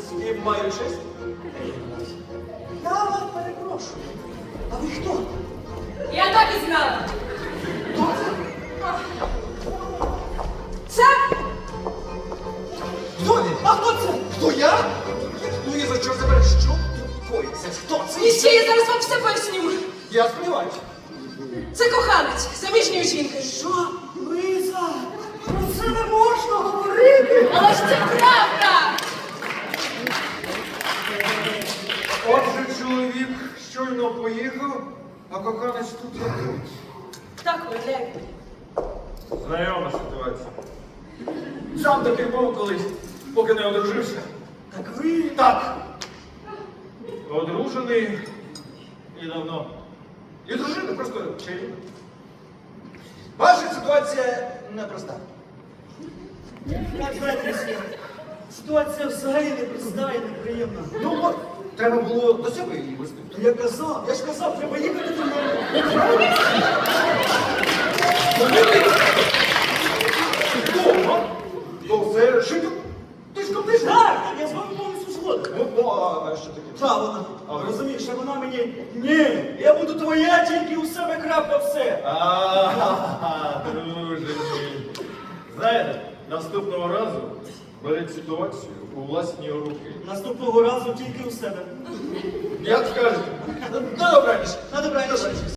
З ким маю честь? Я вас перепрошую. А ви хто? Я так і знала. Хто це? Це Хто він? А хто це? Хто я? Ну і за що забереш? Що тут коїться? Хто це? і ще я зараз вам все поясню. Я сподіваюся. Це коханець заміжньої жінки. Що? Лиза, про це не можна говорити. Але ж це правда. Отже, чоловік щойно поїхав, а коханець тут як тут. Так, уявляєте. Знайома ситуація. Сам такий був колись, поки не одружився. Так ви? Так. Одружений і давно. І дружина просто чарівна. Ваша ситуація непроста. Як знаєте, ситуація взагалі непроста і неприємна. Ну от, треба було до себе її вести. Я ж казав, треба їхати до мене. Дома? Ну, це жити. Ти ж купиш? Так, я з вами повністю згоден. Ну, а що таке? Та вона, розумієш, а вона мені, ні, я буду твоя, тільки у себе крапка все. Друже мій. Знаєте, наступного разу беріть ситуацію у власні руки. Наступного разу тільки у себе. Як скажете? На добраніч. На добраніч.